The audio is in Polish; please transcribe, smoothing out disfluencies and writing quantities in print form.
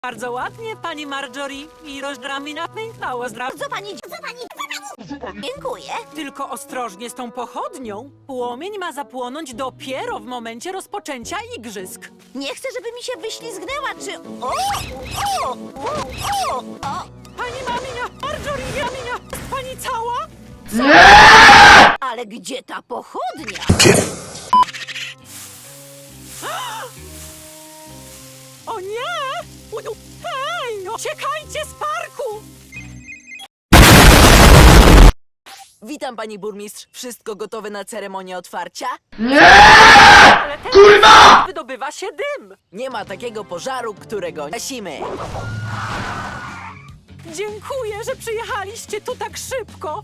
Bardzo ładnie, pani Marjorie. I rozdrami pęknęło zdrowo. Co pani? Dziękuję. Tylko ostrożnie z tą pochodnią. Płomień ma zapłonąć dopiero w momencie rozpoczęcia igrzysk. Nie chcę, żeby mi się wyślizgnęła, czy... O! Pani Maminia, Marjorie, Jaminia, jest pani cała? Ale gdzie ta pochodnia? O nie! Hej, uciekajcie z parku! Witam, pani burmistrz. Wszystko gotowe na ceremonię otwarcia? Ale teraz wydobywa się dym. Nie ma takiego pożaru, którego nie gasimy. Dziękuję, że przyjechaliście tu tak szybko.